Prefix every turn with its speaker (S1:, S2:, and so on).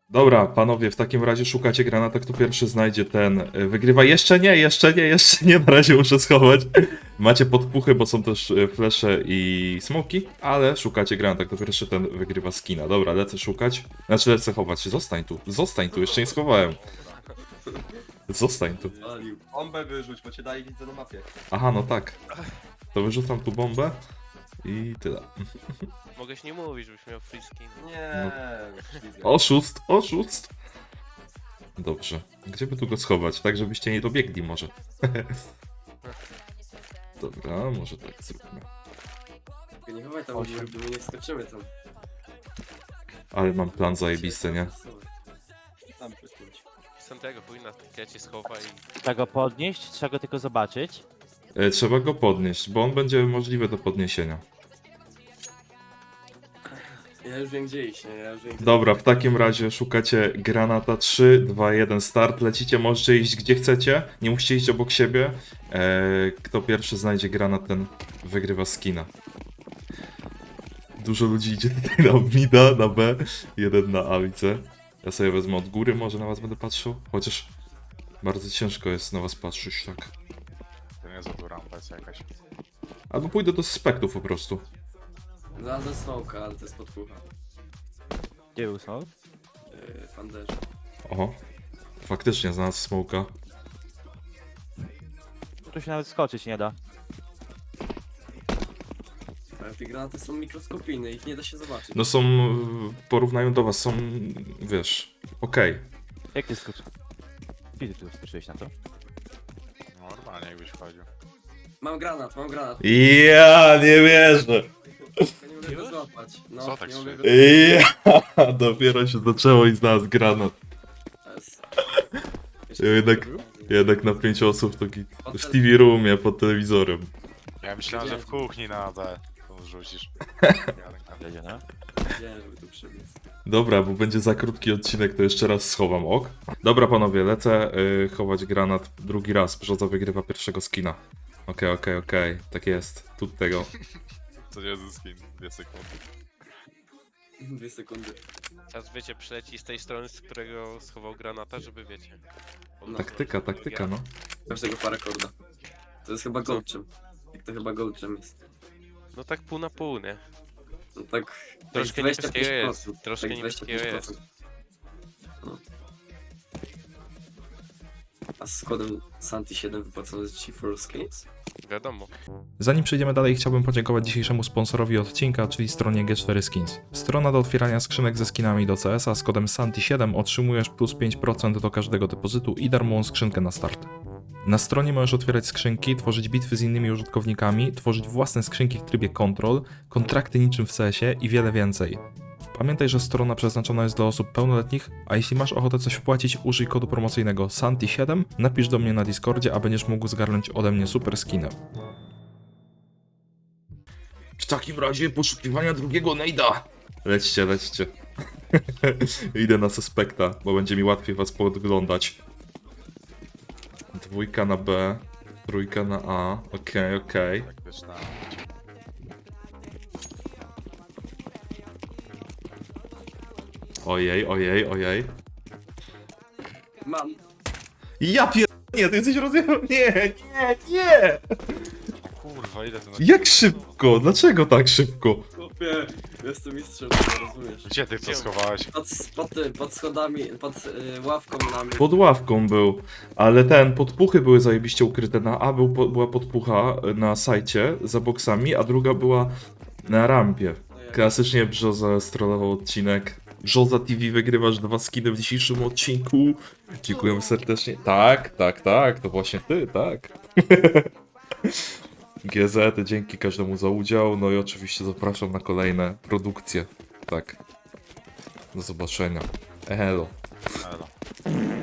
S1: Dobra, panowie, w takim razie szukacie granata, kto pierwszy znajdzie ten wygrywa. Jeszcze nie, na razie muszę schować. Macie podpuchy, bo są też flesze i smoki, ale szukacie granata, kto pierwszy ten wygrywa skina. Dobra, lecę szukać, znaczy lecę chować. Zostań tu, jeszcze nie schowałem. Zostań tu.
S2: Bombę wyrzuć, bo cię daje widzę na mapie.
S1: Aha, no tak. To wyrzucam tu bombę i tyle.
S3: Mogłeś nie mówić, żebyś miał free skin.
S2: Nie.
S1: Oszust. Dobrze. Gdzie by tu go schować? Tak, żebyście nie dobiegli może. Dobra, może tak zróbmy.
S4: Nie chowaj tam, bo my nie skoczymy tam.
S1: Ale mam plan zajebisty, nie?
S2: Tam przyciąć.
S3: Santiago powinna ja cię schowa i...
S5: Trzeba go podnieść, trzeba go tylko zobaczyć.
S1: Trzeba go podnieść, bo on będzie możliwy do podniesienia.
S4: Ja już wiem gdzie iść, nie? Ja już wiem gdzie...
S1: Dobra, w takim razie szukacie granata. 3, 2, 1, start. Lecicie, możecie iść gdzie chcecie. Nie musicie iść obok siebie. Kto pierwszy znajdzie granat, ten wygrywa skina. Dużo ludzi idzie tutaj na mida, na B, jeden na A, widzę. Ja sobie wezmę od góry, może na was będę patrzył. Chociaż bardzo ciężko jest na was patrzeć, tak.
S6: To nie za tu rampa jest jakaś.
S1: Albo pójdę do suspektów po prostu.
S4: Znalazłem smoka, ale to jest podpucha.
S5: Gdzie usnął?
S4: Fanderze.
S1: Oho. Faktycznie znalazł smoka.
S5: Tu się nawet skoczyć nie da.
S4: Ale te granaty są mikroskopijne, ich nie da się zobaczyć.
S1: No są, w porównaniu do was, są, wiesz, okej.
S5: Jak ty skoczysz? Kiedy ty skoczyłeś na to?
S6: No, normalnie jakbyś wchodził.
S4: Mam granat, mam granat.
S1: Ja nie wierzę.
S4: Nie mogę go złapać. No,
S6: Co tak
S4: nie mogę go
S1: Ja dopiero się zaczęło i znalazł granat.
S4: złapać.
S1: Jednak na 5 osób to git. W TV roomie pod telewizorem.
S6: Ja myślałem, że w kuchni na B to rzucisz.
S5: Jedzie, no?
S4: Wiedziałem, żeby tu przybiec.
S1: Dobra, bo będzie za krótki odcinek, to jeszcze raz schowam, ok? Dobra panowie, lecę chować granat drugi raz. Brzoza wygrywa pierwszego skina. Okej, tak jest. Tu tego.
S6: To nie jest skin, 2 sekundy.
S4: 2 sekundy.
S3: Teraz wiecie, przyleci z tej strony, z którego schował granata, żeby wiecie.
S1: Taktyka, no.
S4: Każdego parakorda. To jest chyba gołczem. Jak to chyba gołczem jest.
S3: No tak pół na pół, nie?
S4: No tak...
S3: Troszkę
S4: tak
S3: niebieskiego jest.
S4: 25%.
S3: Troszkę
S4: Tak
S3: niebieskiego
S4: 25%.
S3: jest.
S4: No. A z kodem Santi7 wypłacone ci for skins?
S3: Wiadomo.
S1: Zanim przejdziemy dalej, chciałbym podziękować dzisiejszemu sponsorowi odcinka, czyli stronie G4 Skins. Strona do otwierania skrzynek ze skinami do CS-a z kodem SANTI7 otrzymujesz plus 5% do każdego depozytu i darmową skrzynkę na start. Na stronie możesz otwierać skrzynki, tworzyć bitwy z innymi użytkownikami, tworzyć własne skrzynki w trybie control, kontrakty niczym w CS-ie i wiele więcej. Pamiętaj, że strona przeznaczona jest dla osób pełnoletnich, a jeśli masz ochotę coś wpłacić, użyj kodu promocyjnego SANTI7, napisz do mnie na Discordzie, a będziesz mógł zgarnąć ode mnie super skinę. W takim razie poszukiwania drugiego nejda. Lećcie. Idę na suspekta, bo będzie mi łatwiej was podglądać. 2 na B, 3 na A, okej.
S6: Tak wiesz na...
S1: Ojej.
S4: Mam.
S1: Ja nie, ty jesteś rozjechał. Nie!
S6: Kurwa, ile to...
S1: Jak szybko? Dlaczego tak szybko?
S4: Chłopie, jestem mistrzem, to rozumiesz.
S6: Gdzie ty to schowałeś?
S4: Pod schodami, pod ławką na mnie.
S1: Pod ławką był, ale podpuchy były zajebiście ukryte. Na A była podpucha na sajcie za boksami, a druga była na rampie. Klasycznie Brzoza strollował odcinek. Brzoza TV wygrywasz 2 skiny w dzisiejszym odcinku. Dziękujemy serdecznie. Tak, to właśnie ty, tak. GZ, dzięki każdemu za udział, no i oczywiście zapraszam na kolejne produkcje. Tak. Do zobaczenia. Elo.
S6: Elo.